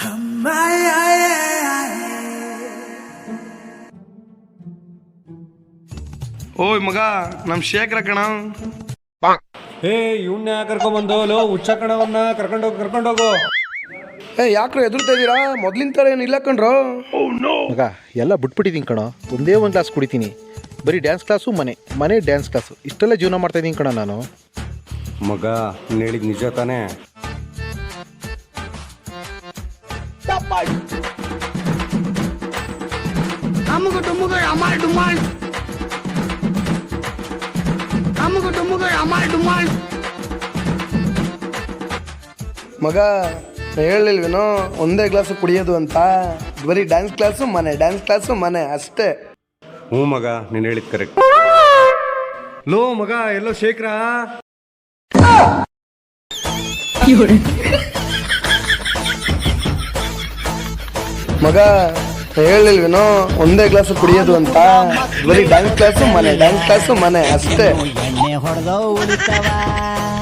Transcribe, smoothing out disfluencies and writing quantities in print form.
ಓಯ್ ಮಗ ನಮ್ ಶೇಖರ ಕಣ. ಏ ಇವನ್ನ ಕರ್ಕೊಂಬಂದು ಲೋ ಹುಚ್ಚ ಕಣವನ್ನ ಕರ್ಕೊಂಡೋಗು. ಯಾಕ್ರೋ ಎದುರ್ತಾ ಇದೀರಾ? ಮೊದ್ಲಿನ ತರ ಏನಿಲ್ಲ ಕಣ್ರೋ. ಮಗ ಎಲ್ಲ ಬಿಟ್ಬಿಟ್ಟಿದ್ದೀನಿ ಕಣೋ. ಒಂದೇ ಒಂದು ಕ್ಲಾಸ್ ಕುಡಿತೀನಿ. ಬರೀ ಡ್ಯಾನ್ಸ್ ಕ್ಲಾಸು ಮನೆ ಡ್ಯಾನ್ಸ್ ಕ್ಲಾಸು ಇಷ್ಟೆಲ್ಲ ಜೀವನ ಮಾಡ್ತಾಯಿದ್ದೀನಿ ಕಣ ನಾನು. ಮಗ ನೀನು ಹೇಳಿದ ನಿಜ ತಾನೇ? ಮಗ ಹೇಳಿಲ್ವೇನೋ ಒಂದೇ ಕ್ಲಾಸು ಕುಡಿಯೋದು ಅಂತ. ಬರೀ ಡ್ಯಾನ್ಸ್ ಕ್ಲಾಸು ಮನೆ ಅಷ್ಟೇ. ಹ್ಞೂ ಮಗ ನೀನು ಹೇಳಿದ್ ಕರೆಕ್ಟ್. ಲೋ ಮಗ ಎಲ್ಲೋ ಶೇಖರ. ಮಗ ಹೇಳಿಲ್ವೇನೋ ಒಂದೇ ಕ್ಲಾಸು ಕುಡಿಯೋದು ಅಂತ. ಬರೀ ಡ್ಯಾನ್ಸ್ ಕ್ಲಾಸು ಮನೆ ಅಷ್ಟೇ. ಎಣ್ಣೆ ಹೊಡೆದೋ ಉಳಿತವ